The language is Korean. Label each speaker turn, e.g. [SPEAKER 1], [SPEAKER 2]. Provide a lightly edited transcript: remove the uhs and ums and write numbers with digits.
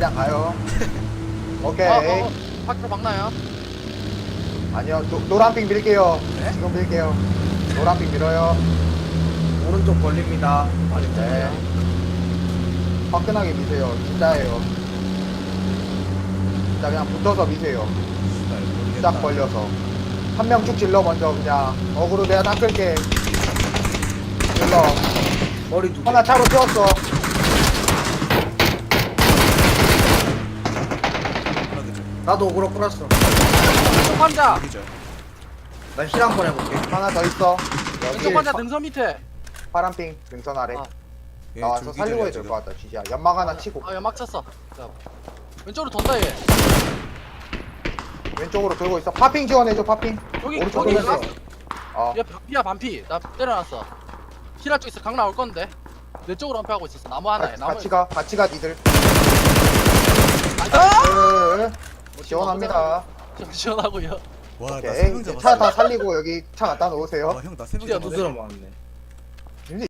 [SPEAKER 1] 그냥 가요. 오케이.
[SPEAKER 2] 밖으로 막나요?
[SPEAKER 1] 아니요, 노란핑 밀게요.
[SPEAKER 3] 네?
[SPEAKER 1] 지금 밀게요. 노란핑 밀어요.
[SPEAKER 3] 오른쪽 벌립니다.
[SPEAKER 1] 네. 화끈하게 미세요. 진짜예요. 진짜 그냥 붙어서 미세요. 쫙 벌려서. 한 명 쭉 질러 먼저 그냥. 어그로 내가 닦을게. 질러.
[SPEAKER 3] 머리 두 개.
[SPEAKER 1] 하나 차로 세웠어.
[SPEAKER 3] 나도 오그로 끌었어.
[SPEAKER 2] 왼쪽 환자!
[SPEAKER 3] 나 힐 한 번 해볼게.
[SPEAKER 1] 하나 더 있어.
[SPEAKER 2] 왼쪽
[SPEAKER 1] 여기
[SPEAKER 2] 환자 등선 밑에!
[SPEAKER 1] 파란핑 등선 아래.
[SPEAKER 2] 아.
[SPEAKER 1] 나와서 살리고 해야 될 것 같다. 진짜 연막 하나 치고.
[SPEAKER 2] 아 연막 쳤어. 자, 왼쪽으로 돈다 얘.
[SPEAKER 1] 왼쪽으로 돌고 있어. 파핑 지원해줘. 파핑.
[SPEAKER 2] 여기
[SPEAKER 1] 오른쪽
[SPEAKER 2] 여기
[SPEAKER 1] 돌렸어.
[SPEAKER 2] 있어.
[SPEAKER 1] 어.
[SPEAKER 2] 얘 반피야 반피. 나 때려놨어. 히라 쪽에서 강 나올 건데. 내 쪽으로 한패하고 있었어. 나무 하나에. 나무.
[SPEAKER 1] 같이 가 니들.
[SPEAKER 2] 아!
[SPEAKER 1] 시원합니다.
[SPEAKER 2] 좀 시원하고요.
[SPEAKER 4] 와, 나
[SPEAKER 1] 오케이.
[SPEAKER 4] 3명
[SPEAKER 1] 차
[SPEAKER 4] 잡았어.
[SPEAKER 1] 다 살리고 여기 차 갖다 놓으세요.
[SPEAKER 4] 와, 형, 나 3명
[SPEAKER 2] 진짜
[SPEAKER 4] 잡았어.
[SPEAKER 3] 두드러 맞네.